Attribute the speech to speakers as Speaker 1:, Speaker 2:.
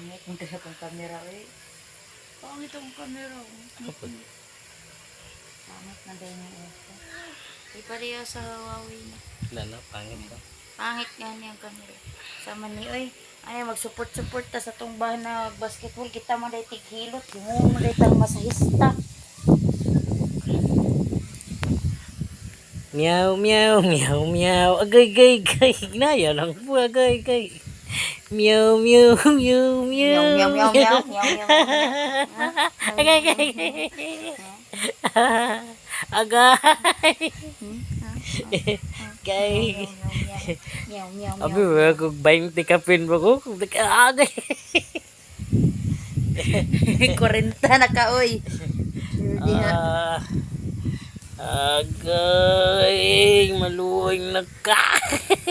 Speaker 1: Pangit, hindi akong kamera eh.
Speaker 2: Pangit ang camera.
Speaker 1: Pangit na din yung ito.
Speaker 2: Di pareha sa Huawei na.
Speaker 3: Lalo, pangit ko.
Speaker 2: Pangit nga niya ang camera. Sama ni, oy, ay mag-support ta sa tong bahan na basketball. Kita mo dahil tighilot. Yung mo dahil tang masahista.
Speaker 3: Meow, meow, meow, meow. Agay, gay, gay. Naya lang po, agay, gay. Meow, meow, meow, meow.
Speaker 2: Meow, meow, meow, meow, meow, meow, meow.
Speaker 3: Agay, gay, gay. Agay. Gay.
Speaker 2: Meow, meow,
Speaker 3: Abi, wala kong 20 kapin mo ko. Agay.
Speaker 2: 40 na ka, oy.
Speaker 3: Agay. Maluwing na ka.